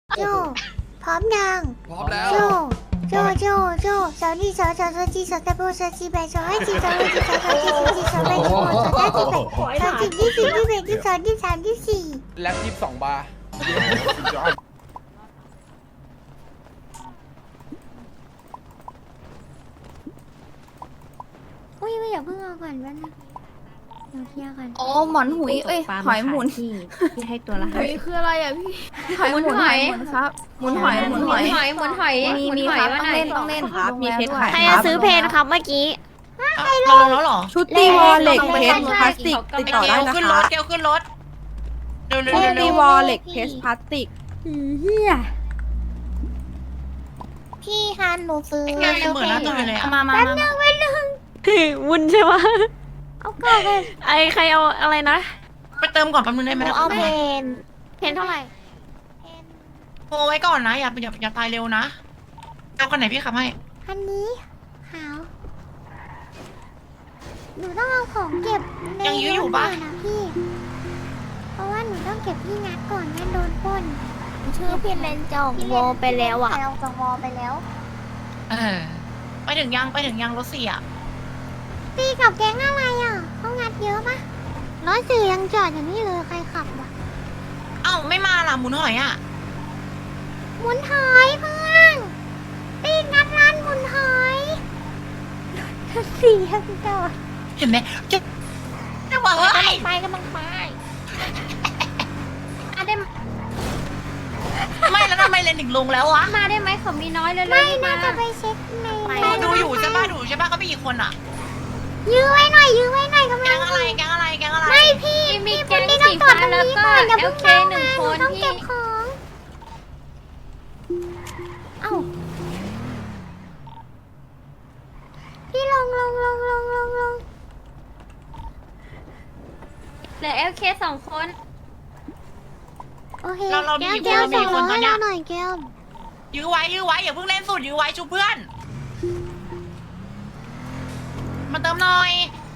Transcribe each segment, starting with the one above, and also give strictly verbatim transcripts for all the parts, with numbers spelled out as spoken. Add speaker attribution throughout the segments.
Speaker 1: โจพร้อมยัง
Speaker 2: พร้อมแล้ว
Speaker 1: โจโจโจโจสาวนี่สาวสาวสาวจีสาวตะโบสาวจีแบสาวให้จีสาวให้จีสาวสาวจีสาวจีสาวแบสาวสาวจีแบสาวจีที่สี่ที่แบที่สองที่สามที่สี่
Speaker 2: แล็บยี่สิบสองบาร์
Speaker 1: อุ้ยไม่อย่าเพิ่งเอาก่อนว่านะเดี๋ยวเคลียร์ก่อน
Speaker 3: โอ้หมอนหุยเอ้ยหอยหมุน
Speaker 4: ที่ที่ให้ตัวละ
Speaker 3: ห
Speaker 4: ห้า
Speaker 3: อย
Speaker 4: สิบ
Speaker 3: คืออะไรอ่ะพี่หอยหมุนหอยหมุนครับหมุนหอยหมุนหอย
Speaker 5: หอยหมุนหอย
Speaker 4: มี
Speaker 5: หมุน
Speaker 4: มี
Speaker 5: หอ
Speaker 4: ค
Speaker 5: ย
Speaker 4: รับ
Speaker 5: มา
Speaker 4: ต้อง
Speaker 5: หน่อย
Speaker 4: เล่นต้องเล่นครับมีเพชรขาย
Speaker 5: ใคร
Speaker 4: ค
Speaker 5: จะ
Speaker 4: รับ
Speaker 5: ซื้อเพนครับเมื่อกี้
Speaker 3: เราลงแล้วเหรอ
Speaker 4: ชุดตีวอลเหล็กเพชร
Speaker 5: ใช่
Speaker 4: พลาสติกติดต่อได้นะ
Speaker 3: ขึ้นร
Speaker 4: คะ
Speaker 3: ถเกลขึ้นรถเร็วเร็ว
Speaker 4: ชุด
Speaker 3: เร็ว
Speaker 4: ตีวอลเหล็กเพชรพลาสติกเฮีย
Speaker 1: พี่ฮันหนูซื้อ
Speaker 3: ไงเหมือนหน้าตัวเลยอ่ะ
Speaker 4: มามามามา
Speaker 5: วุ้นใช่ไหม
Speaker 1: เอาก่อนเลย
Speaker 5: ไอใครเอาอะไรนะ
Speaker 3: ไปเติมก่อนแป๊บนึงได้ไห
Speaker 1: ห
Speaker 3: ม
Speaker 1: นูเอาเพน
Speaker 5: เพนเท่าไหร่
Speaker 3: โทรไว้ก่อนนะอย่าอย่าอย่าตายเร็วนะเอาคนไหนพี่ขับให้
Speaker 1: อันนี้ขาวหนูต้องเอาของเก็บในรถก่อนนะพี่เพราะว่าหนูต้องเก็บที่งัดก่อนงั้นโดนปล้นชื่อพี่เลนจองวอไปแล้วอ่ะเราจองวอไปแล้ว
Speaker 3: เออไปถึงยังไปถึงยังรถเสีย
Speaker 1: ตีกับแก๊งอะไรอ่ะเขางัดเยอะปะร้อยสี่ยังจอดอย่างนี้เลยใครขับวะ
Speaker 3: เอ้าไม่มาล่ะหมุนหอยอ่ะ
Speaker 1: หมุนหอยเพื่อนตีงัดร้านหมุนหอยสี่ยังจอด
Speaker 3: เห็นไหมจะจะบอกว่า
Speaker 1: ไปกำลังไปอ่ะได้
Speaker 3: ไม่แล้วทำไมเลนถึงลงแล้ววะ
Speaker 5: มาได้ไหมเขามีน้อยเลย
Speaker 1: ไม่น่าจะไปเช็คใน
Speaker 3: ดูดูอยู่ใช่ป่ะดูใช่ป่ะเขามีกี่คนอ่ะ
Speaker 1: ยื้อไว้หน่อยยื้อไว้หน่อยกำ
Speaker 3: แก
Speaker 1: ลั
Speaker 3: ง
Speaker 1: ง
Speaker 3: อะไรแกงอะไรแกงอะไร
Speaker 1: ไม่พี่
Speaker 5: มี
Speaker 1: พี่
Speaker 5: แก๊ง
Speaker 1: พี่
Speaker 5: สี
Speaker 1: ต้องจอ
Speaker 5: ฟ้า
Speaker 1: ดตรง
Speaker 5: แล้ว
Speaker 1: นี้
Speaker 5: ก็
Speaker 1: ก่อนอย่า
Speaker 5: เอ
Speaker 1: เพิ่
Speaker 5: ล
Speaker 1: ง
Speaker 5: เค
Speaker 1: เข้า
Speaker 5: หนึ่
Speaker 1: มาง ห
Speaker 5: ค
Speaker 1: นู
Speaker 5: น
Speaker 1: ต้อง
Speaker 5: พี่
Speaker 1: เก็บของเอ้าพี่ลงลงลงลงลงลง
Speaker 5: เหลือเอลเคสองคน
Speaker 1: โอเค
Speaker 3: เราเรามีกี่
Speaker 1: แก้ว
Speaker 3: คนเรามี
Speaker 1: ส่ง
Speaker 3: กี่คนต
Speaker 1: ให้
Speaker 3: อนเนี้
Speaker 1: เรา
Speaker 3: ย
Speaker 1: หน่อยแก้ว
Speaker 3: ยื้อไว้ยื้อไว้อย่าเพิ่งเล่นสุดยื้อไว้ชูเพื่อน มาเติมหน่อย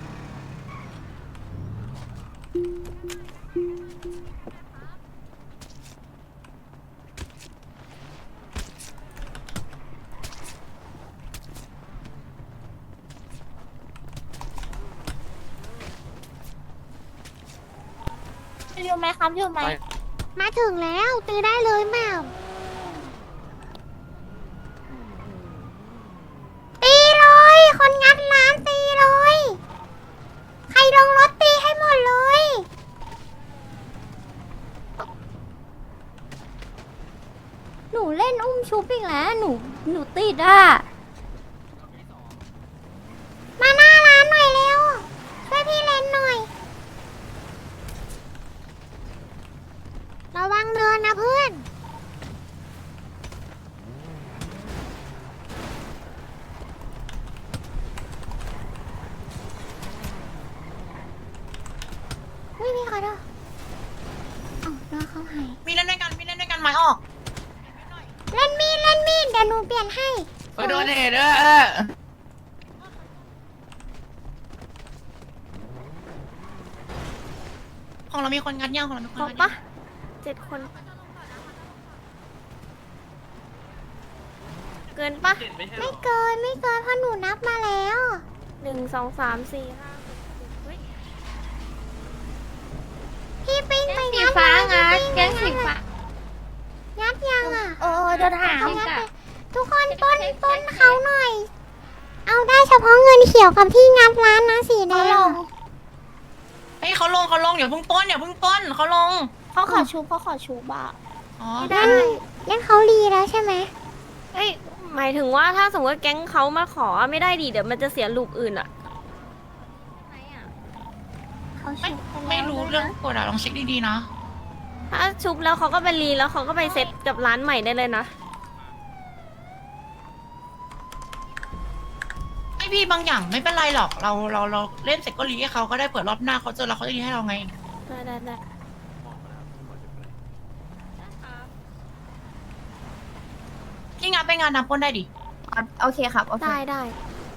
Speaker 3: อยู่ไหมครับอยู่ไหม
Speaker 1: มาถึงแล้วตีได้เลยแมวตีเลย คนงัดร้านตีเลย ใครลงรถตีให้หมดเลย หนูเล่นอุ้มชุบอีกแล้ว หนู หนูติดอ่ะ มาหน้าร้านหน่อยเร็ว ช่วยพี่เล่นหน่อย ระวังเนินนะเพื่อน อุ้ยพี่ขอโทษเอ้าน้องเขาหาย
Speaker 3: มีเล่นด้วยกันมีเล่นด้วยกันไม้ออก
Speaker 1: เล่นมีดเล่นมีดเดี๋ยวหนูเปลี่ยนให้
Speaker 3: ไปโดนเหตุเออของเรามีคนงัดย่างของเรามีคน
Speaker 5: ครบ
Speaker 3: งัด
Speaker 5: ปะ
Speaker 3: ย่าง
Speaker 5: เจ็ดคน เกินปะ
Speaker 1: ไม่เกินไม่เกินเพราะหนูนับมาแล้ว
Speaker 5: หนึ่งสองสามสี่ห้าหกเฮ้ย
Speaker 1: พี่ปิ้ง
Speaker 5: แก๊
Speaker 1: ไป
Speaker 5: งสี
Speaker 1: งัด
Speaker 5: ฟ้า
Speaker 1: เลย
Speaker 5: งัด
Speaker 1: พี่
Speaker 5: แก๊
Speaker 1: ปิ้
Speaker 5: ง
Speaker 1: ง
Speaker 5: สี
Speaker 1: ไป
Speaker 5: ฟ้า
Speaker 1: งัดยังอ่ะ
Speaker 5: โอ้เดินหา
Speaker 1: เขา
Speaker 5: ว
Speaker 1: งัดไปทุกคนปล้นปล้นเขาหน่อย เอาได้เฉพาะเงินเขียวกับที่งัดร้านนะสีแดง
Speaker 3: เฮ้ยเขาลงเขาลงอย่าเพิ่งต้นอย่าเพิ่งต้นเขาลง
Speaker 1: เขาขอชูเขาขอชูบ้า
Speaker 3: อ๋อ
Speaker 1: ได้งั้นเขารีแล้วใช่ไหม
Speaker 5: เอ้ยหมายถึงว่าถ้าสมมติว่าแก๊งเขามาขอไม่ได้ดิเดี๋ยวมันจะเสียลูกอื่นอะ
Speaker 1: เขา
Speaker 3: ไม่
Speaker 1: ชู
Speaker 3: ไม่รู้เรื่องกฎอะลองเช็คดีๆนะ
Speaker 5: ถ้าชุบแล้วเขาก็ไปรีแล้วเขาก็ไปเซ็ตกับร้านใหม่ได้เลยนะ
Speaker 3: ไอพี่บางอย่างไม่เป็นไรหรอกเราเราเราเล่นเสร็จก็รีให้เขาก็ได้เปิดรอบหน้าเขาเจอเราเขาจะรีให้เราไง
Speaker 5: ได้ได้ได้
Speaker 3: ที่งานไปงานนับปล้นได้ดิ
Speaker 4: โอเคครับโอเค
Speaker 5: ได้ได้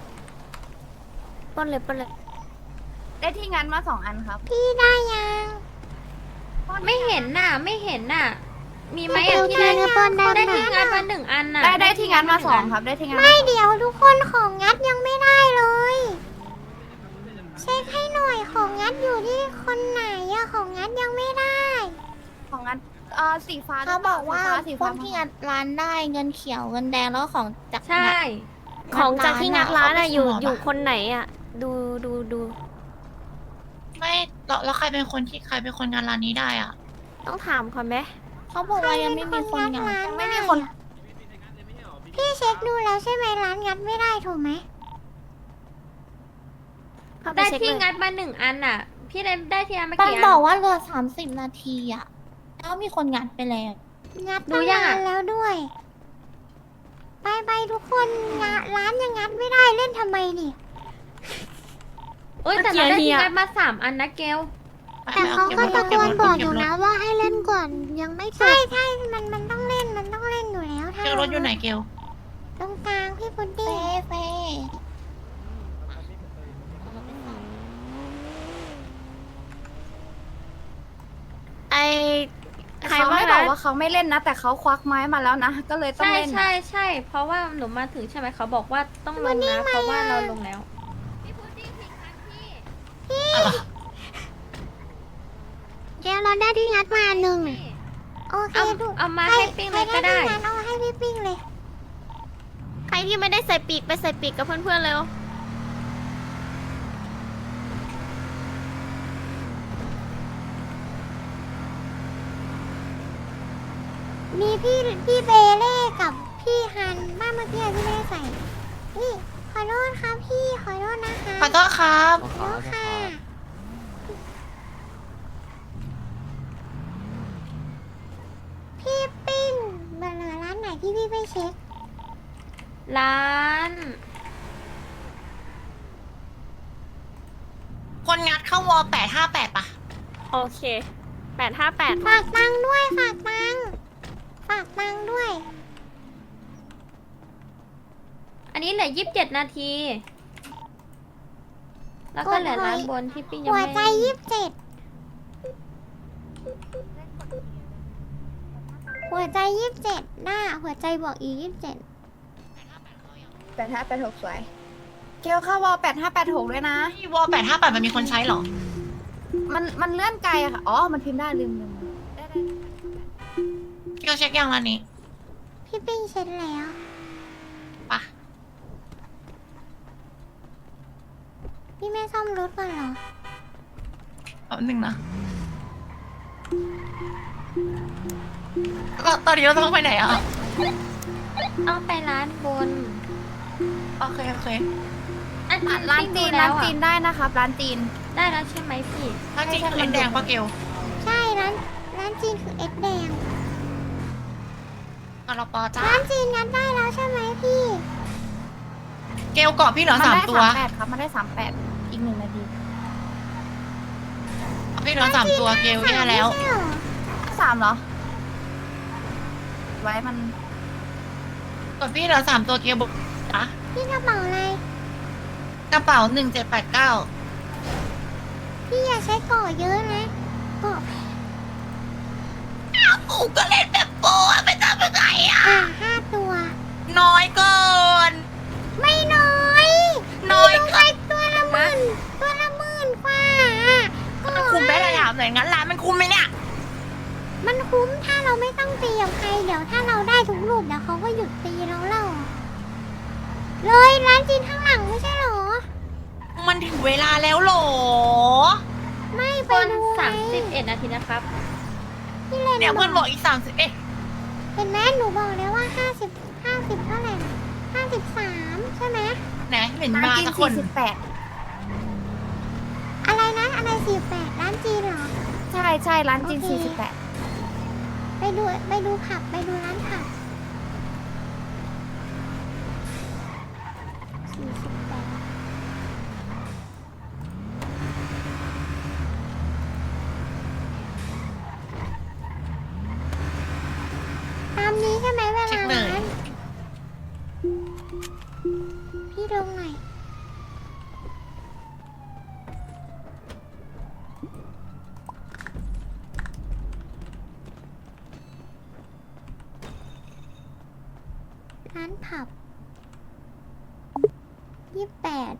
Speaker 5: ปล้นเลยปล้นเลย
Speaker 4: ได้ที่งานมาสองอันครับ
Speaker 1: พี่ได้ยัง
Speaker 5: ไม่เห็นน่ะ ไม่เห็นน่ะมีไหมอ่ะพี่ได้
Speaker 1: เนื้อปนได้
Speaker 5: ได้
Speaker 1: ไหม
Speaker 5: ที่งานมาหนึ่งอันน่ะ
Speaker 4: ได้ได้ที่งานมาสองครับได้ที่งาน
Speaker 1: ไม่เดี๋ยวทุกคนของงัดยังไม่ได้เลย เช็คให้หน่อยของงัดอยู่ที่คนไหนอะของงัดยังไม่ได้
Speaker 4: ของงานเอ่อสีฟ้า
Speaker 2: เขาบอกว่า
Speaker 4: สี
Speaker 2: ค
Speaker 4: ฟ้าน
Speaker 2: ที่งัดร้านได้เงินเขียวเงินแดงแล้วก็ของจาก
Speaker 5: ใช่ ของจากที่งัดร้านอ่ะอยู่อยู่คนไหนอ่ะ ดูดูดู
Speaker 3: ไม่แล้วแล้วใครเป็นคนที่ใครเป็นคนงานร้านนี้ได้อ่ะ
Speaker 5: ต้องถามก่อนไหม
Speaker 2: เขาบอกว่ายังไม่มีคนงาน
Speaker 1: ร้าน
Speaker 4: ไม่มีคน
Speaker 1: พี่เช็คดูแล้วใช่ไหมร้านงัดไม่ได้ถูกไหม
Speaker 5: เข้าป
Speaker 6: ได้
Speaker 5: เช็ค
Speaker 6: ที่
Speaker 5: เลย
Speaker 6: งัดมาหนึ่งอันอ่ะ พี่ได้ได้ที่งัดมา
Speaker 2: มัน
Speaker 6: กี่อั
Speaker 2: บอก
Speaker 6: น
Speaker 2: ว่าเหลือสามสิบนาทีอะแล้วมีคนงัดไปแล้ว
Speaker 1: งัด
Speaker 6: ดู
Speaker 1: ตั้ง
Speaker 6: ยัง
Speaker 1: นา
Speaker 6: อะ
Speaker 1: นแล้วด้วย ไปไปทุกคนงะร้านยังงัดไม่ได้เล่นทำไมนี่
Speaker 6: เอ้ยแต่เราได้ที่งัดมาสามอันนะเกล
Speaker 1: แต่เขาก็ตะโกนบอกอยู่นะว่าให้เล่นก่อนยังไม่ใช่ใช่มันมันต้องเล่นมันต้องเล่นอยู่แล้วถ้า
Speaker 3: เกลรถอยู่ไหนเกล
Speaker 1: ตรงกลางพี่พุดดิ้
Speaker 2: เฟ่
Speaker 1: ง
Speaker 2: เฟ่
Speaker 5: ไอใคร
Speaker 4: เขา
Speaker 5: ว่า
Speaker 4: ไม่บอก
Speaker 5: นะ
Speaker 4: ว่าเขาไม่เล่นนะ แต่เขาควักไม้มาแล้วนะ ก็เลยต้อง
Speaker 6: ใช่
Speaker 4: เล่น
Speaker 6: ใช่ใช่เพราะว่าหนูมาถึงใช่ไหมเขาบอกว่าต้องลงนะ เพราะว่าเราลงแล้ว
Speaker 1: แกเราได้ที่งัดมาหนึ่งโอเค
Speaker 6: เอา
Speaker 1: ดู
Speaker 6: เอามาให้ปิ้งเลยก็ได้
Speaker 1: ใครที่งัดเอาให้พี่ปิ้งเลย
Speaker 5: ใครที่ไม่ได้ใส่ปีกไปใส่ปีกกับเพื่อนๆเร็ว
Speaker 1: มีพี่พี่เบเล่กับพี่ฮันบ้านเมื่อกี้ที่ไม่ได้ใส่นี่ขอโทษครับพี่ขอโทษนะคะ
Speaker 3: ขอโทษครับ
Speaker 1: ขอโทษค่ะ พี่ปิ้งเบอร์ร้านไหนที่พี่ไปเช็ค
Speaker 6: ร้าน
Speaker 3: คนงัดเข้าวอแปดห้าแปดปะ
Speaker 5: โอเคแปดห้าแปด
Speaker 1: ฝากตังค์ด้วยฝากตังค์ฝากตังค์ด้วย
Speaker 6: อันนี้เหลือยี่สิบเจ็ดนาที แล้วก็เหลือร้านบนที่ปิ้งยัง
Speaker 1: หัว
Speaker 6: ไม่
Speaker 1: ใจยี่สิบเจ็ดหัวใจยี่สิบเจ็ดหน้าหัวใจบอกอีกยี่สิบเจ็ด
Speaker 4: แปดห้าแปดหกสวย เกลเข้าวอลแปดห้าแปดหกด้วยนะ
Speaker 3: วอแปดห้าแปดมันมีคนใช้เหรอ
Speaker 4: มันมันเลื่อนไกลอะค่ะ อ๋อ มันพิมพ์ได้ลืมลืมได้ได้
Speaker 3: เกลเช็คยังร้านนี้
Speaker 1: พี่ปิ้งเช็ดแล้ว
Speaker 3: ปะ
Speaker 1: พี่ไม่ซ่อมรถก่อนเหรอ
Speaker 3: แป๊บนึงนะแล้วตอนนี้เราต้องไปไหนอ่ะ
Speaker 6: ต้องไปร้านบน
Speaker 3: โอเคโอเค
Speaker 6: อัน
Speaker 4: อ่ะ
Speaker 6: นี้
Speaker 4: ร้าน
Speaker 6: ปิ้ง
Speaker 4: จี
Speaker 6: ดู
Speaker 4: น
Speaker 6: แล้
Speaker 4: ร้าน
Speaker 6: ว
Speaker 4: จี
Speaker 6: อ่ะ
Speaker 4: นได้นะครับ ร้านจีน
Speaker 6: ได้แล้วใช่ไหมพี่
Speaker 3: ถ้าจริงคือเอ็นแดงปะเกล
Speaker 1: ใช่ร้านร้านจีนคือเอ็ดแดง
Speaker 3: กรปอจ้า
Speaker 1: ร้านจีนงัดได้แล้วใช่ไหมพี่
Speaker 3: เกลเกาะพี่เหลือ
Speaker 4: มัน
Speaker 3: สาม
Speaker 4: ได้
Speaker 3: ตัว
Speaker 4: สามแปดครับ มันได้สามแปดอีกหนึ่งนาที
Speaker 3: พี่เหลือสามตัวเกลแย่แล้ว
Speaker 1: ไม่ใช่เหรอ
Speaker 4: สามเหรอ ไว้มัน
Speaker 3: กดพี่เหลือสามตัวเกลบอกจ้ะ
Speaker 1: พี่กระเป๋าอะไร
Speaker 3: กระเป๋าหนึ่งเจ็ดแปดเก้า
Speaker 1: พี่อย่าใช้เกาะเยอะนะเกาะ
Speaker 3: กูก็เล่นแบบโปะไปทำยังไงอ่ะ
Speaker 1: อ่าห้าตัว
Speaker 3: น้อยเกิน
Speaker 1: ไม่น้อย
Speaker 3: น้อยเกิน
Speaker 1: ตัวละหมื่นตัวละหมื่นกว่าก็
Speaker 3: มันคุมได้ระดับไหนงั้นร้านมันคุมไหมเนี่ย
Speaker 1: มันคุ้มถ้าเราไม่ต้องตีกับใครเดี๋ยวถ้าเราได้ทุกรูปเดี๋ยวเขาก็หยุดตีเราเล่าเลยร้านจีนข้างหลังไม่ใช่เหรอ
Speaker 3: มันถึงเวลาแล้วเหรอ
Speaker 1: ไม่ไป
Speaker 6: บน
Speaker 1: ดูไง
Speaker 6: สามสิบเอ็ดนาทีนะครับ
Speaker 1: พี่เลน
Speaker 3: เนี่ยเพื่อนบอกอีกสามสิบเอ๊ะ
Speaker 1: เห็นไหมหนูบอกแล้วว่าห้าสิบห้าสิบเท่าไหร่ห้าสิบสามใช่ไหม
Speaker 3: ไหนเห็น
Speaker 4: ร้าน
Speaker 3: มา
Speaker 4: จีน
Speaker 3: สักคน
Speaker 4: สี่สิบแปด
Speaker 1: อะไรนะอะไรสี่แปดร้านจีนเหรอ
Speaker 4: ใช่ใช่ร้านจีน
Speaker 1: โอเค
Speaker 4: สี่สิบแปด
Speaker 1: ไปดูไปดูผับไปดูร้านผับสี่สิบแปดตามนี้ใช่ไหมเว
Speaker 3: เช็
Speaker 1: ลา
Speaker 3: คเลย
Speaker 1: ร้านพี่ลงหน่อยร้านผับยี่สิบแปด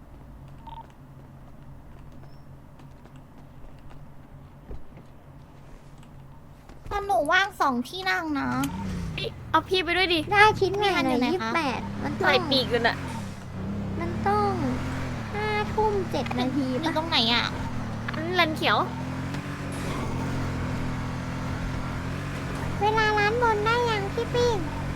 Speaker 2: ถ้าหนูว่างสองที่นั่งนะ
Speaker 5: เอาพี่ไปด้วยดิ
Speaker 1: ได้ชิ้นใหม่หน่อย
Speaker 2: มีอันอยู่ไหน
Speaker 1: ยี่สิบ
Speaker 2: คะ
Speaker 1: แปดมันต้อ
Speaker 5: ใส่
Speaker 1: ง
Speaker 5: ปีกกันอะ
Speaker 1: มันต้องห้าทุ่มเจ็ดนาที
Speaker 2: อยู่
Speaker 1: ปะ
Speaker 2: ตรงไหนอ่ะ
Speaker 5: อันเลนเขียว
Speaker 1: เวลาร้านบนได้ยังพี่ปิ้ง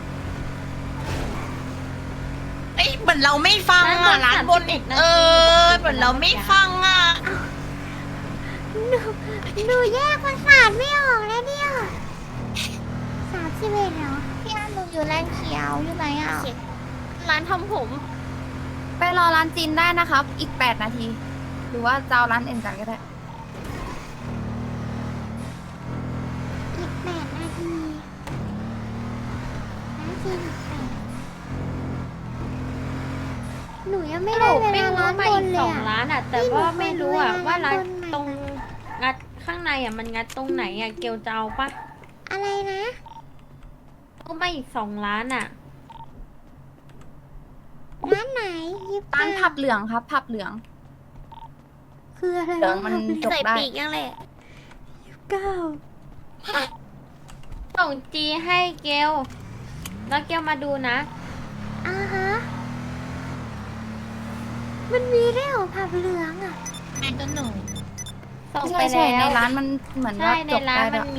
Speaker 3: เอ้ยเหมือนเราไม่ฟังอ่ะร้านบน
Speaker 6: สามสิบเอ็ดนา
Speaker 3: เอ
Speaker 6: ที
Speaker 3: อเหมือนเราไม่ฟังอ่ะ
Speaker 1: หนูหนูแยกประสาทไม่ออกแล้วเนี่ยสามสิบเอ็ดเหรอ
Speaker 2: พี่อันหนูอยู่แลนเขียวอยู่ไหนอ่ะ
Speaker 5: ร้านทำผม
Speaker 4: ไปรอร้านจีนได้นะครับ อีกแปดนาที หรือว่าจะเอาร้านเอ็นกันก็ได้
Speaker 1: อีกแปดนาทีร้านจีนอีกแปดหนูยังไม่
Speaker 6: ส
Speaker 1: ได้
Speaker 6: รุป
Speaker 1: เว
Speaker 6: ไม่
Speaker 1: ลา
Speaker 6: รู้
Speaker 1: ร้าน
Speaker 6: มา
Speaker 1: บ
Speaker 6: อี
Speaker 1: น
Speaker 6: ก
Speaker 1: เล
Speaker 6: ส
Speaker 1: ย
Speaker 6: อง
Speaker 1: อะ
Speaker 6: ร้านอ่ะ แต่
Speaker 1: นี่หนู
Speaker 6: ว่าไม่รู้อ่ะ
Speaker 1: ขอดู
Speaker 6: ว่าร้าน
Speaker 1: เวลาร้านบนหน่อย
Speaker 6: ตรงงัดข้างในอ่ะมันงัดตรงไหนอ่ะเกลจะเอาปะ
Speaker 1: อะไรนะ
Speaker 6: ก็มาอีกสองร้านอ่ะ
Speaker 1: ร้านไหนยิบ
Speaker 4: ร้านผับเหลืองครับ ผับเหลือง
Speaker 1: คืออะไร
Speaker 4: เหลืองมันจบ
Speaker 5: ใส่
Speaker 4: ได้
Speaker 5: ปีกยังเลย
Speaker 1: เก้า
Speaker 6: ส่งจีให้เกลแล้วเกลมาดูนะ
Speaker 1: อ่าฮะมันมีได้วยเหรอผับเหลืองอ่ะ
Speaker 3: แม่ก็หนู
Speaker 6: ส่ง
Speaker 4: ใช่
Speaker 6: ไป
Speaker 4: ใช่
Speaker 6: แล้ว
Speaker 4: ในร้านมันเหมือน
Speaker 6: ใช่
Speaker 4: ว่า
Speaker 6: ใน
Speaker 4: จบ
Speaker 6: ร้า
Speaker 4: ได้
Speaker 6: น
Speaker 4: แล้
Speaker 6: มั
Speaker 4: วน
Speaker 6: มี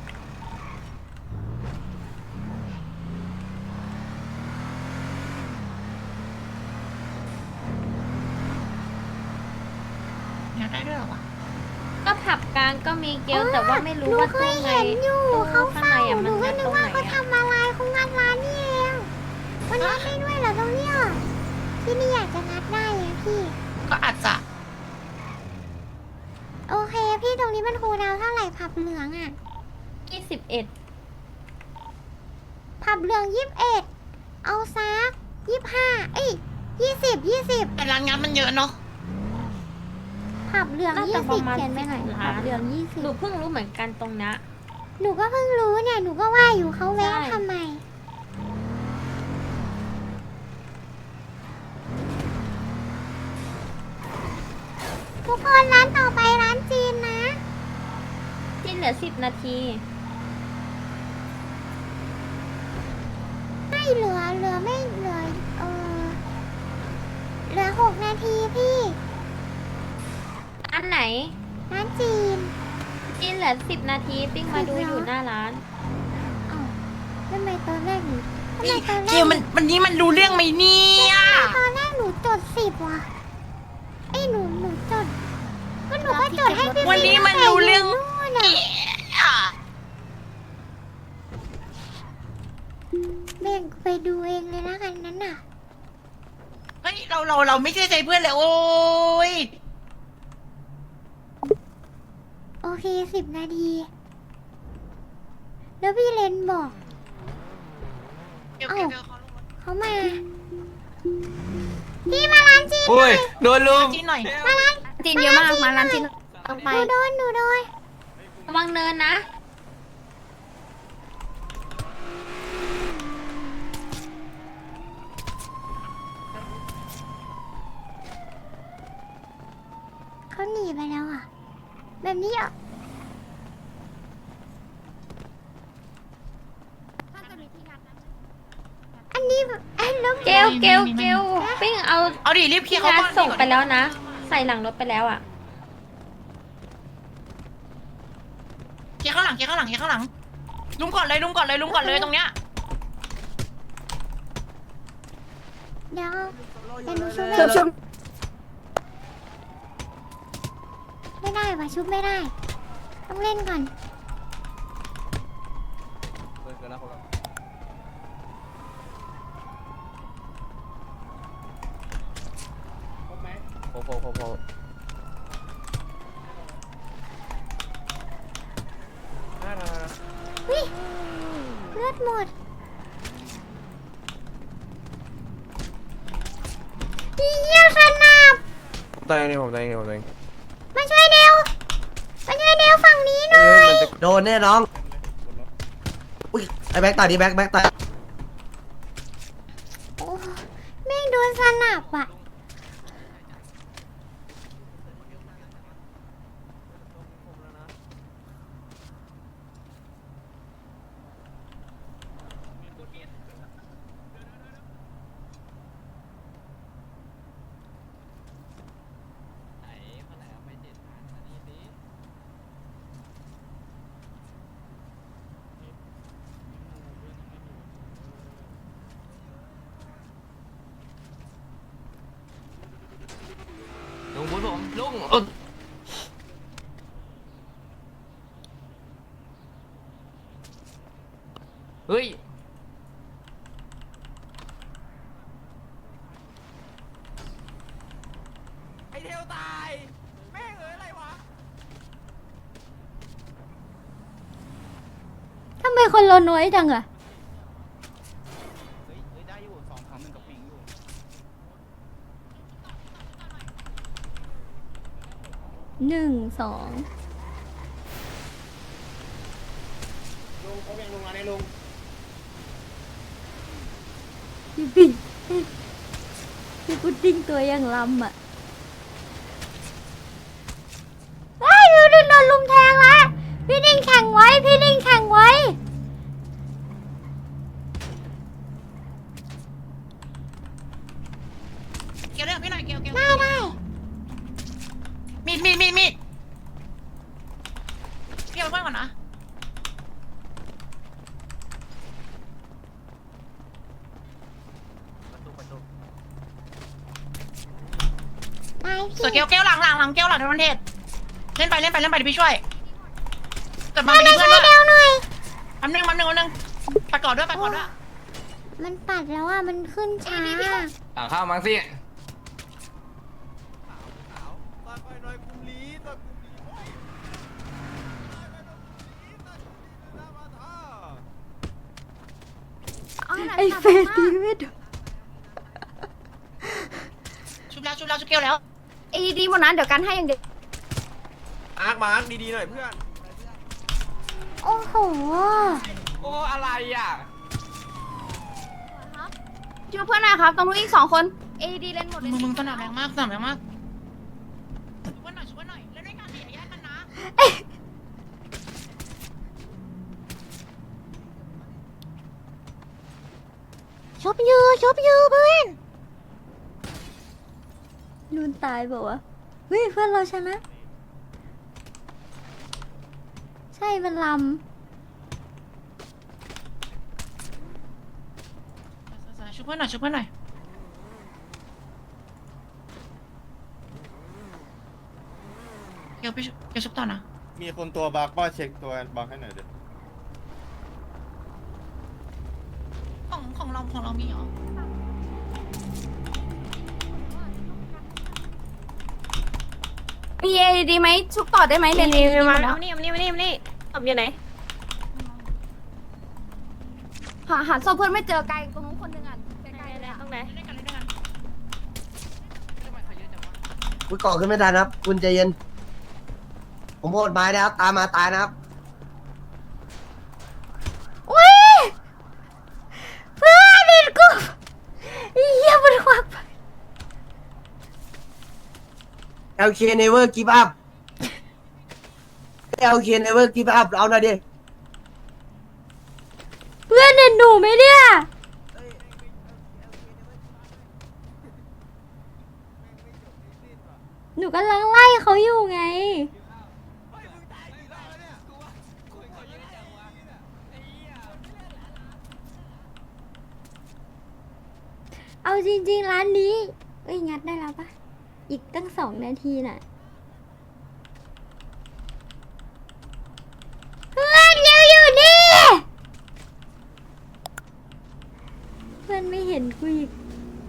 Speaker 3: อยากได้ด้วยเหรอวะ
Speaker 6: ก็ผับกลางก็มีเกลแต่ว่าไม่รู้ว่า
Speaker 1: หนูเค
Speaker 6: ตู้
Speaker 1: ย
Speaker 6: ไหน
Speaker 1: เห็นอยู่
Speaker 6: ตู้
Speaker 1: เขา
Speaker 6: ข้าง
Speaker 1: เฝ้า
Speaker 6: ในอ่ะ
Speaker 1: ห
Speaker 6: มั
Speaker 1: นู
Speaker 6: น
Speaker 1: ก็
Speaker 6: งัด
Speaker 1: นึ
Speaker 6: ต
Speaker 1: ก
Speaker 6: รง
Speaker 1: ว่า
Speaker 6: ไหน
Speaker 1: เขา
Speaker 6: อ่ะ
Speaker 1: ทำอะไรเขางัดร้านนี่เองมันงัดได้ด้วยเหรอตรงเนี้ยที่นี่อยากจะงัดได้อะพี่
Speaker 3: ก็อาจจะ
Speaker 1: โอเคพี่ตรงนี้มันคูลดาวน์เท่าไหร่ผับเหลืองอ่ะ
Speaker 6: ยี่สิบเอ็ด
Speaker 1: ผับเหลืองยี่สิบเอ็ดเอาซักยี่สิบห้าเอ้ยยี่สิบยี่สิบ
Speaker 3: แต่ร้านงานมันเยอะเนาะ
Speaker 1: ผับเหลือง
Speaker 6: น่า
Speaker 1: ยี่
Speaker 6: จะป
Speaker 1: สิ
Speaker 6: ระ
Speaker 1: บ
Speaker 6: มาณ
Speaker 1: เขียนไปหน่อย
Speaker 6: สิบ
Speaker 1: ผั
Speaker 6: ล้า
Speaker 1: บ
Speaker 6: น
Speaker 1: เหลืองยี่สิบ
Speaker 6: หนูเพิ่งรู้เหมือนกันตรงเนี้ย
Speaker 1: หนูก็เพิ่งรู้เนี่ยหนูก็ว่าอยู่เขาแวะ
Speaker 6: ใช่
Speaker 1: ทำไมทุกคนร้านต่อไปร้านจีนนะ
Speaker 6: ที่เหลือสิบนาที
Speaker 1: ไม่เหลือเหลือไม่เหลือเออเหลือหกนาทีพี่
Speaker 6: อันไหน
Speaker 1: ร้านจีน
Speaker 6: จีนเหลือสิบนาทีปิ้งมาดูอยู่หน้าร้าน
Speaker 1: อ้าวทำไมตอนแรกหนูทำไมตอนแร
Speaker 3: เก
Speaker 1: ก
Speaker 3: ลมันวันนี้มันรู้เรื่องไหมเนี่ย
Speaker 1: ตอนแรกหนูจดสิบว่ะไอ้ยหนูหนูจดก็หนูก็จดให้พี่
Speaker 3: วันนี้มันรู้เรื่อง
Speaker 1: นู่นน่ะ
Speaker 3: อ่ะ
Speaker 1: แบ่งไปดูเองเลยนะกันนั้นน่ะ
Speaker 3: เฮ้ยเราเราเราไม่เชื่อใจเพื่อนเลยโอ้ย
Speaker 1: โอเคสิบนาที แล้วพี่เลนบอก
Speaker 3: เกลเกลเกลเขาลงรถ
Speaker 1: เขามา พี่มาร้านจีนห
Speaker 7: อุ้
Speaker 1: น่อย ย
Speaker 7: โดนลุม
Speaker 3: จีนหน่อย
Speaker 1: มาร้าน
Speaker 4: จีนเยอะมาก มาร้านจีน
Speaker 2: ต้อง
Speaker 1: ห
Speaker 2: ไป
Speaker 1: นูโดนหนูโดน
Speaker 6: ระวังเนินนะ
Speaker 1: เขาหนีไปแล้วอ่ะ แบบนี้อ่ะ อันนี้แบบไอ้แล้ว
Speaker 6: เกลเกลเกลปิ้งเอา
Speaker 3: เอาดิรีบเคลียร์เขา
Speaker 6: งาน
Speaker 3: ก่อน
Speaker 6: ส่งไปแล้วนะ ใส่หลังรถไปแล้วอ่ะ
Speaker 3: เคลียร์ข้างหลังเคลียร์ข้างหลังเคลียร์ข้างหลังลุมก่อนเลยลุมก่อนเลยลุมก่อนเลยตรงเนี้ย
Speaker 1: เดี๋ยวเดี๋ยวหนูชุบ
Speaker 4: ชุบชุบ
Speaker 1: ไม่ได้ว่ะชุบไม่ได้ ต้องเล่นก่อน
Speaker 7: โอ้โหโอ้โห
Speaker 1: วิเลือดหมดอีเหี้ยขนาบ
Speaker 7: ตายเองผมตายเองผมตายเอง
Speaker 1: มาช่วยเดวมาช่วยเดวฝั่งนี้หน่อย
Speaker 8: โดนแน่น้อง อุ้ย ไอ้แบ็กตายดิแบ็กแบ็กตายลุงเอ้ยเฮ้ยไอเทลตายแม่งเอ้ยอะไรวะ
Speaker 1: ทำไมคนเราน้อยจังอะ
Speaker 8: เฮ้ยเฮ้ยได้อยู่สองสองหนึ่งกับปิงอยู่
Speaker 1: หนึ่งสอง
Speaker 8: ลุงเขาเป็นลุงมาในลุง
Speaker 1: พี่ปิ่นพี่พุดดิ้งตัวยังลำอ่ะว้ายพี่ดิ้งโดนลุมแทงละพี่ดิ้งแข่งไว้พี่ดิ้งแข่งไว้
Speaker 3: เกี่ยวเรื่องพี่หน่อยเกี่ยวเกี่ยว
Speaker 1: ได้ได้
Speaker 3: มีดมีดมีดมีดเกี่ยวเพื่อนก่อนนะ
Speaker 1: ได้
Speaker 3: สวย
Speaker 1: พี่
Speaker 3: เกี่ยวเกี่ยวหลังหลังหลังเกี่ยวหลังในประเทศเล่นไปเล่นไปเล่นไปเดี๋ยวพี่ช่วยกลับมามีเพื่อนด้วย
Speaker 1: เร็วหน่อย
Speaker 3: อันนึงอันนึงอันนึงไปก่อนด้วยไปก่อนด้วย
Speaker 1: มันปัดแล้วอ่ะมันขึ้นช้า
Speaker 8: ต่างข้าวมั้งสิ
Speaker 1: ไอเฟสตีไม่โดน
Speaker 3: ชุบแล้วชุบแล้วชุบเกี่ยวแล้ว
Speaker 4: เอดีหมดนั้นเดี๋ยวกันให้อย่างเดียว
Speaker 7: อาร์คมาร์คดีๆหน่อยเพื่อน
Speaker 1: โอ้โห
Speaker 8: โอ้อะไรอ่ะ
Speaker 4: ช่วยเพื่อนหน่อยครับตรงนู้นอีกสองคนเอดีเล่นหมดเลย
Speaker 3: มึงมึงสนามแรงมากสนามแรงมากชุบเพื่อนหน่อยชุบเพื่อนหน่อยเล่นด้วยกันอย่าแยกกันนะ
Speaker 1: ชบยูชบยูเพื่อนนูนตายบอกว่าเฮ้ยเพื่อนเราชนะ ใช่มันล
Speaker 3: ชุบเพื่อนหน่อยชุบเพื่อนหน่อยเกี่ยวไปชุบเกี่ยวชุบต่อนะ
Speaker 9: มีคนตัวบักป้าเช็คตัวบักให้หน่อยเดี๋ยว
Speaker 3: ของของเราของเรามีเหรอ
Speaker 4: มีเอดีไหมชุบต่อได้ไหมเรียนเอ
Speaker 5: นี่
Speaker 4: ดีหม
Speaker 5: มา
Speaker 4: ดแล้ว
Speaker 5: มานี่มานี่มานี่มานี่ตบอยู่ไหน
Speaker 4: หาหาศพเพื่อนไม่เจอไกลตรงนู้นคนหนึ่งอ่ะไกลๆเลยอะ
Speaker 5: ตรงไหน
Speaker 3: เล่นด้วยกันเล่นด้วยกัน
Speaker 10: คุณก่อขึ้นไม่ทันครับ คุณใจเย็น ผมโหดไม้นะครับ ตามมาตายนะครับ
Speaker 1: ำอุ้ยเพื่อนเด็ดกูเยี่ยมันควัก
Speaker 10: แอล เค never give up แอล เค never give up เอาหน่อยดิ
Speaker 1: เพื่อนเด็ดหนูไหมเนี่ย หนูกำลังไล่เขาอยู่ไง เอาจริงๆ ร้านนี้ เอ้ย งัดได้แล้วปะอีกตั้งสองนาทีน่ะ เพื่อนเร็วอยู่นี่ เพื่อนไม่เห็นกูอีก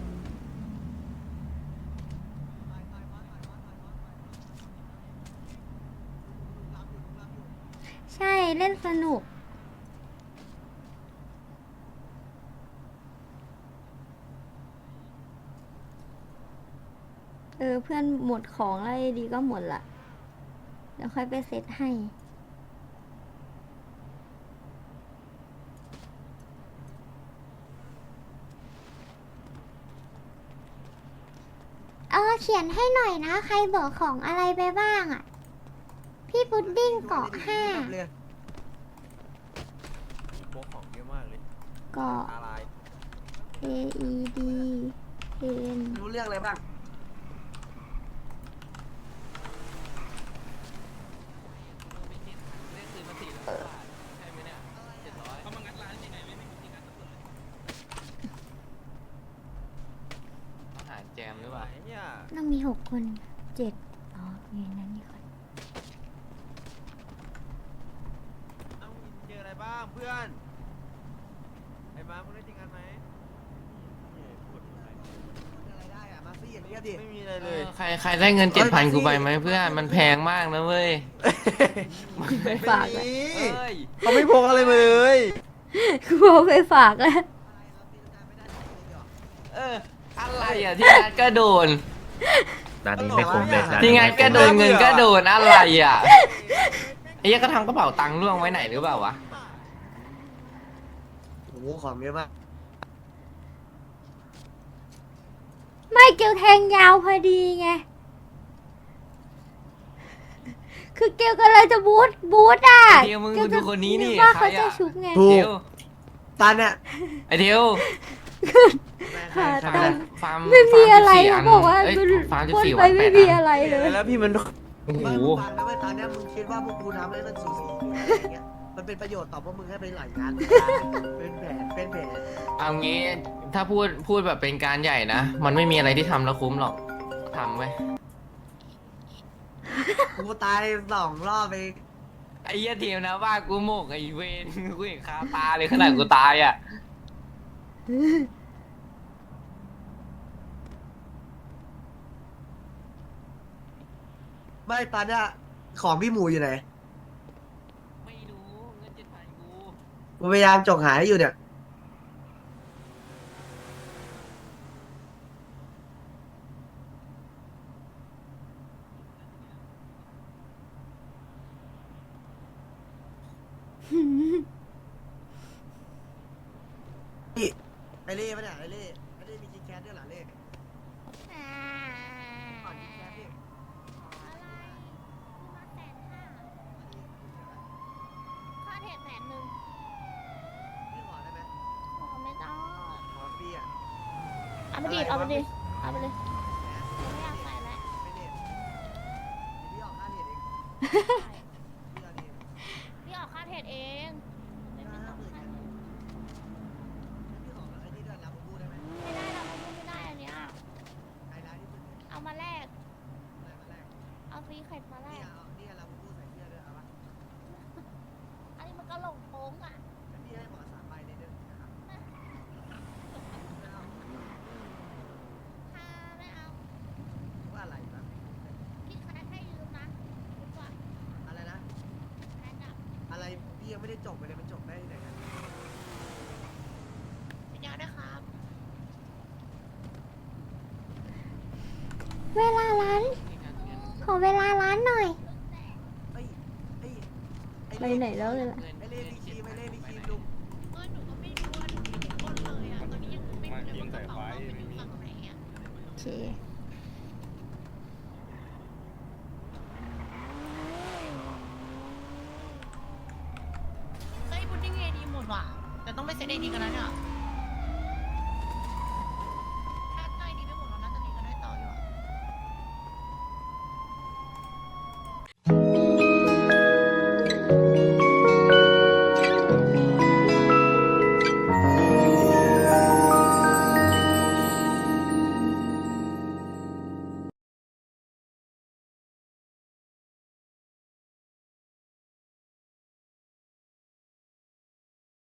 Speaker 1: ใช่เล่นสนุก เออ เพื่อนหมดของแล้วไอ้ดีก็หมดละเดี๋ยวค่อยไปเซตให้ เออเขียนให้หน่อยนะ ใครบอกของอะไรไปบ้างอ่ะ พี่พุดดิ้งเกาะห้า
Speaker 7: โป๊กของเยอะมากเลย
Speaker 1: เกาะ
Speaker 7: ตาลาย
Speaker 1: A E D N
Speaker 10: รู้เรื่องอะไรบ้าง
Speaker 8: อาหารแจมหรือเปล่า
Speaker 7: ไอ้เนี่ย
Speaker 1: ต้องมีหกคนเจ็ดอ๋อ
Speaker 2: นี่นั่นนี่ก่อน
Speaker 7: เอ้าเจออะไรบ้างเพื่อนไอ้มาร์คมึงได้จริงกันไหม
Speaker 10: อะไรได้อะมาซี่อย่างนี้ดิ
Speaker 7: ไม่มีอะไรเลย
Speaker 8: ใครใครได้เงินเจ็ดพันกูไปไหมเพื่อนมันแพงมากนะเว้ย
Speaker 6: ไปฝากเลย
Speaker 8: เอ้ย
Speaker 7: เขาไม่พกอะไรมาเลย
Speaker 6: กูเอาไปฝากแล้ว
Speaker 8: เอออะไรอ่ะที่งานก็โดน
Speaker 9: ร้านนี้ไม่คุ้มเลย
Speaker 8: ที่งานก็โดนเงินก็โดนอะไรอ่ะไอ้เหี้ยก็ทำกระเป๋าตังค์ล่วงไว้ไหนหรือเปล่าวะ
Speaker 10: โอ้โหของเยอะมาก
Speaker 6: ไม่เกลแทงยาวพอดีไง คือเกลก็เลยจะบูทบูทอ่ะ
Speaker 8: ไอ้เดียวมึงดูคนนี้นี่
Speaker 6: กว่า
Speaker 8: ใคร
Speaker 6: เขาจะ
Speaker 8: อ่ะ
Speaker 6: ชุบไง
Speaker 10: ถูก
Speaker 8: เดียว
Speaker 10: ตาเนี่ย
Speaker 8: ไอเดียว
Speaker 6: หา
Speaker 8: ฟา
Speaker 6: ตั
Speaker 8: ร์
Speaker 6: ง
Speaker 8: ม
Speaker 6: ค์
Speaker 8: ฟาร์ม
Speaker 6: ไม่มีอะไร
Speaker 8: ฟา
Speaker 6: เขา
Speaker 8: ร์ม
Speaker 6: บอกว่า
Speaker 8: เอ้ย
Speaker 6: มัน
Speaker 8: ฟาร์มสิบ
Speaker 6: พ่น
Speaker 8: สี่
Speaker 6: ไป
Speaker 8: วันแป
Speaker 6: ไม่
Speaker 8: ด
Speaker 6: มี
Speaker 8: อัน
Speaker 6: อะไรเลย
Speaker 7: แล้วพี่มัน
Speaker 8: โอ้โห
Speaker 10: ไม่มึงฟังนะเว้ยตอนเนี้ยมึงคิดว่าพวกกูทำให้มันสูสีหรืออะไรอย่างเงี้ยมันเป็นประโยชน์ต่อพวกมึงให้ไปหลายงานเป็นแผนเป็นแผน
Speaker 8: เอางี้ถ้าพูดพูดแบบเป็นการใหญ่นะ มันไม่มีอะไรที่ทำแล้วคุ้มหรอกทำไว้ย
Speaker 10: กูตายสองรอบไป
Speaker 8: ไอ้เหี้ยเทียมนะว่ากูโมกไอ้เวนกูเห็นคาตาเลยขนาดกูตายอ่ะ
Speaker 10: ไม่ตอนเนี้ยของพี่หมูอยู่ไหน
Speaker 8: ไม่รู้เงินเจ็ดพันกู
Speaker 10: กูพยายามจกหาให้อยู่เนี่ยนี่ไอเล่ปะเนี่ยไอเล่ไอเล่มีกินแคสด้วยเหรอเล่
Speaker 1: อ่า
Speaker 10: ก่อนกินแคสดิ
Speaker 1: อะไรกูมาแสนห้าค่าเทรดแสนหนึ่ง
Speaker 10: พี่ขอได้ไหม
Speaker 1: ขอไม่ต้อง
Speaker 10: ขอฟรีอ่ะ
Speaker 1: เอาไปดิเอาไปดิเอาไปเลยไม่อยากใส่แล้ว
Speaker 10: ไม่เน็ตเดี๋ยวพี่ออกค่าเน็ตเองพี่เอาดิ
Speaker 1: พี่ออกค่าเทรดเองไม่ไม่ต้องค่าเน็ต
Speaker 10: พี่ขอไอ้นี่ด้วยลาบูบูได้ไหม
Speaker 1: ไม่ได้เราไม่ได้อันเนี้ย
Speaker 10: ไฮไลท์ที่สุดเลย
Speaker 1: เอามาแลก
Speaker 10: อะไรมาแรก
Speaker 1: เอาฟรีเข็ดมาแล
Speaker 10: นี่
Speaker 1: ก
Speaker 10: เอานี่ลาบูบูใส่เสื้อด้วยเอาปะ
Speaker 1: อันนี้มันก็หลงโค้งอ่ะ
Speaker 10: แล้วพี่ให้หมอสามใบในเรื่องนะครับ
Speaker 1: ถ้าไม่เอา
Speaker 10: ว่าอะไรแบบ
Speaker 1: พี่แคทให้ยืมนะดีกว่า
Speaker 10: อะไรนะ
Speaker 1: แคทอ่ะ
Speaker 10: อะไรพี่ยังไม่ได้จบไปเลยมันจบได้ที่ไหนกัน
Speaker 3: เป็นยังไงด้วยครับ
Speaker 1: เวลาร้าน ขอเวลาร้านหน่อย
Speaker 10: เอ้ยเอ้ยอ้
Speaker 6: ไปไหนแล้วเลยล่ะ
Speaker 10: ไอเล่มีครีมไอเล่มีครีมลุง
Speaker 3: เออหนูก็ไม่รู้ว่าหนูไม่ได้กดเลยอ่ะ ตอนนี้ยังไม่รู้เลยว่ากระเป๋าเราเป็นฝั่งไหนอ่ะ
Speaker 6: โอเค
Speaker 3: เฮ้ยบุดดิ้งเอดีหมดว่ะ แต่ต้องไปเซ็ตเอดีกันนะเนี่ย